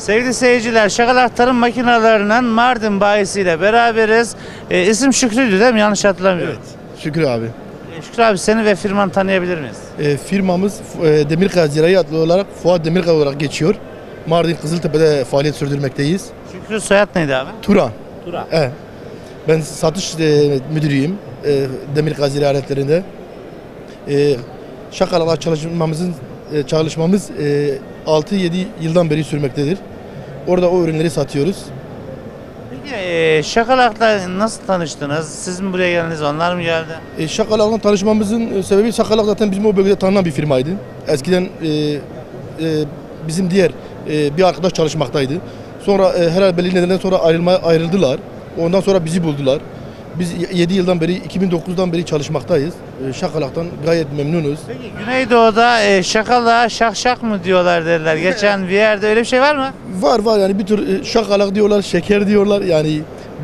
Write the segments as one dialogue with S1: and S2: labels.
S1: Sevgili seyirciler, Şakalak Tarım Makinelerinin Mardin bayisiyle beraberiz. İsim Şükrü'ydü değil mi? Yanlış hatırlamıyorum.
S2: Evet, Şükrü abi.
S1: Şükrü abi, seni ve firmanı tanıyabilir miyiz?
S2: Firmamız Demirkaya Zirai adlı olarak Fuat Demirkaya olarak geçiyor. Mardin Kızıltepe'de faaliyet sürdürmekteyiz.
S1: Şükrü, soyad neydi abi?
S2: Turan.
S1: Turan.
S2: Evet. Ben satış müdürüyüm Demirkaya Zirai aletlerinde. Şakalak'la çalışmamız 6-7 yıldan beri sürmektedir. Orada o ürünleri satıyoruz.
S1: Peki Şakalak'la nasıl tanıştınız? Siz mi buraya geldiniz, onlar mı geldi?
S2: Şakalak'la tanışmamızın sebebi, Şakalak zaten bizim o bölgede tanınan bir firmaydı. Eskiden bizim diğer bir arkadaş çalışmaktaydı. Sonra herhalde belli nedenlerden sonra ayrıldılar. Ondan sonra bizi buldular. Biz 7 yıldan beri, 2009'dan beri çalışmaktayız. Şakalak'tan gayet memnunuz.
S1: Peki Güneydoğu'da Şakalak'a şak şak mı diyorlar dediler. Geçen bir yerde öyle bir şey var mı?
S2: Var yani bir tür şakalak diyorlar, şeker diyorlar yani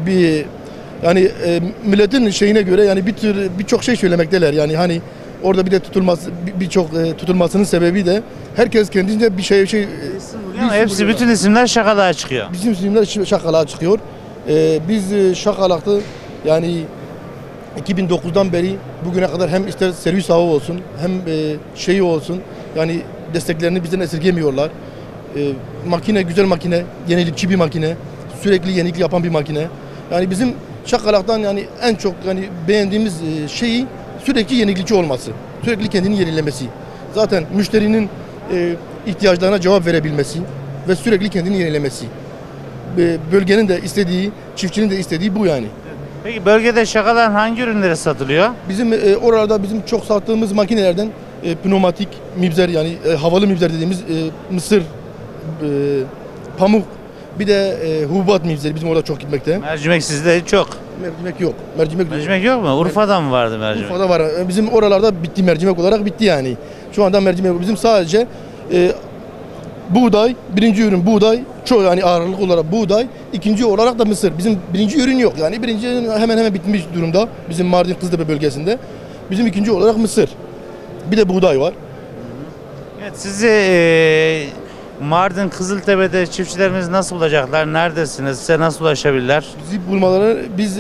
S2: milletin şeyine göre yani birçok şey söylemekteler yani hani orada bir de tutulmasının sebebi de herkes kendince bir şey
S1: Hepsi bütün isimler Şakalak'a çıkıyor.
S2: Bizim isimler Şakalak'a çıkıyor. Biz Şakalak'ta yani 2009'dan beri bugüne kadar hem ister servis ağı olsun hem şeyi olsun yani desteklerini bizden esirgemiyorlar. Makine güzel makine, yenilikçi bir makine, sürekli yenilik yapan bir makine. Yani bizim Şakalak'tan yani en çok yani beğendiğimiz şeyi sürekli yenilikçi olması, sürekli kendini yenilemesi. Zaten müşterinin ihtiyaçlarına cevap verebilmesi ve sürekli kendini yenilemesi. Bölgenin de istediği, çiftçinin de istediği bu yani.
S1: Peki bölgede Şakalak'ın hangi ürünleri satılıyor?
S2: Bizim oralarda bizim çok sattığımız makinelerden pneumatik mibzer yani havalı mibzer dediğimiz mısır, pamuk, bir de hububat mibzeri bizim orada çok gitmekte.
S1: Mercimek sizde çok.
S2: Mercimek yok.
S1: Mercimek yok mu? Urfa'da mı vardı mercimek?
S2: Urfa'da var. Bizim oralarda bitti, mercimek olarak bitti yani. Şu anda mercimek yok. Bizim sadece buğday, birinci ürün buğday, çok yani ağırlık olarak buğday, ikinci olarak da mısır. Bizim birinci ürün yok yani birinci ürün hemen bitmiş durumda bizim Mardin Kızıltepe bölgesinde. Bizim ikinci olarak mısır. Bir de buğday var.
S1: Evet, sizi Mardin Kızıltepe'de çiftçilerimiz nasıl bulacaklar? Neredesiniz? Size nasıl ulaşabilirler?
S2: Bizi bulmaları biz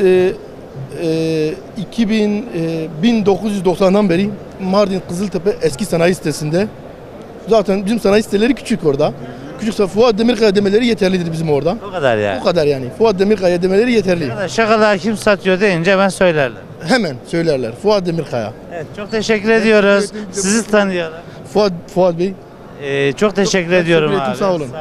S2: 1990'dan beri Mardin Kızıltepe eski sanayi sitesinde. Zaten bizim sanayi siteleri küçük orada. Küçükse Fuat Demirkaya demeleri yeterlidir bizim orada.
S1: O kadar yani.
S2: O kadar yani. Fuat Demirkaya demeleri yeterli.
S1: Şakalak'ı kim satıyor deyince ben söylerler.
S2: Hemen söylerler. Fuat Demirkaya.
S1: Evet, çok teşekkür ediyoruz. Sizi tanıyalım.
S2: Fuat Bey.
S1: Çok teşekkür ediyorum
S2: teşekkür
S1: abi.
S2: ettim, sağ olun.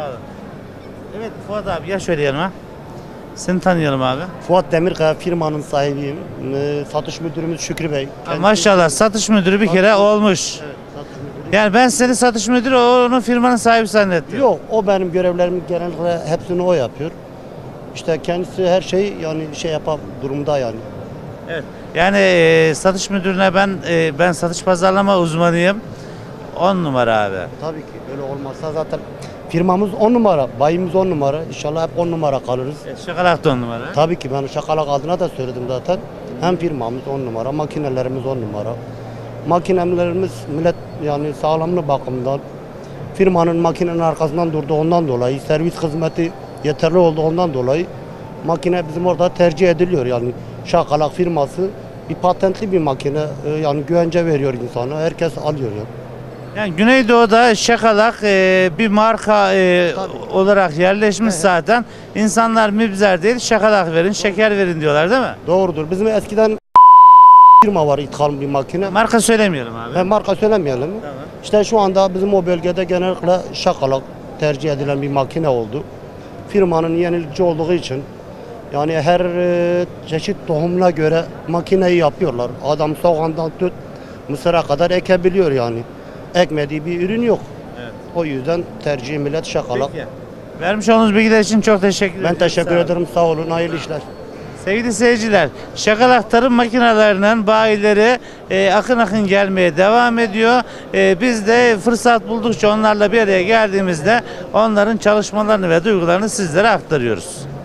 S1: Evet Fuat abi, ya şöyle yanıma. Seni tanıyalım abi.
S3: Fuat Demirkaya firmanın sahibiyim. Satış müdürümüz Şükrü Bey.
S1: Maşallah, satış müdürü bir kere olmuş.
S3: Evet, satış müdürü.
S1: Yani ben seni satış müdürü, onun firmanın sahibi zannettim.
S3: Yok, o benim görevlerimi genellikle hepsini o yapıyor. İşte kendisi her şey yani şey yapar durumda yani.
S1: Evet. Yani satış müdürüne ben satış pazarlama uzmanıyım. 10 numara abi.
S3: Tabii ki öyle olmazsa zaten firmamız 10 numara, bayimiz 10 numara. İnşallah hep 10 numara kalırız.
S1: Şakalak da 10 numara.
S3: Tabii ki ben Şakalak adına da söyledim zaten. Hem firmamız 10 numara, makinelerimiz 10 numara. Makinelerimiz millet yani sağlamlığı bakımından firmanın makinenin arkasından durdu ondan dolayı, servis hizmeti yeterli oldu ondan dolayı makine bizim orada tercih ediliyor yani. Şakalak firması bir patentli bir makine yani güvence veriyor insana, herkes alıyor yani.
S1: Yani Güneydoğu'da Şakalak bir marka olarak yerleşmiş zaten. İnsanlar mibzer değil, Şakalak verin, şeker verin diyorlar değil mi?
S3: Doğrudur. Bizim eskiden firma var, ithal bir makine.
S1: Marka söylemeyelim abi.
S3: Marka söylemeyelim.
S1: Tamam.
S3: İşte şu anda bizim o bölgede genellikle Şakalak tercih edilen bir makine oldu. Firmanın yenilikçi olduğu için yani her çeşit tohumuna göre makineyi yapıyorlar. Adam soğandan tut mısıra kadar ekebiliyor yani. Ekmediği bir ürün yok. Evet. O yüzden tercih millet Şakalak.
S1: Peki. Vermiş olduğunuz bilgiler için çok teşekkür ederim.
S3: Ben teşekkür ederim. Sağ olun. Hayırlı işler.
S1: Sevgili seyirciler, Şakalak Tarım Makinelerinin bayileri akın akın gelmeye devam ediyor. Biz de fırsat buldukça onlarla bir araya geldiğimizde onların çalışmalarını ve duygularını sizlere aktarıyoruz.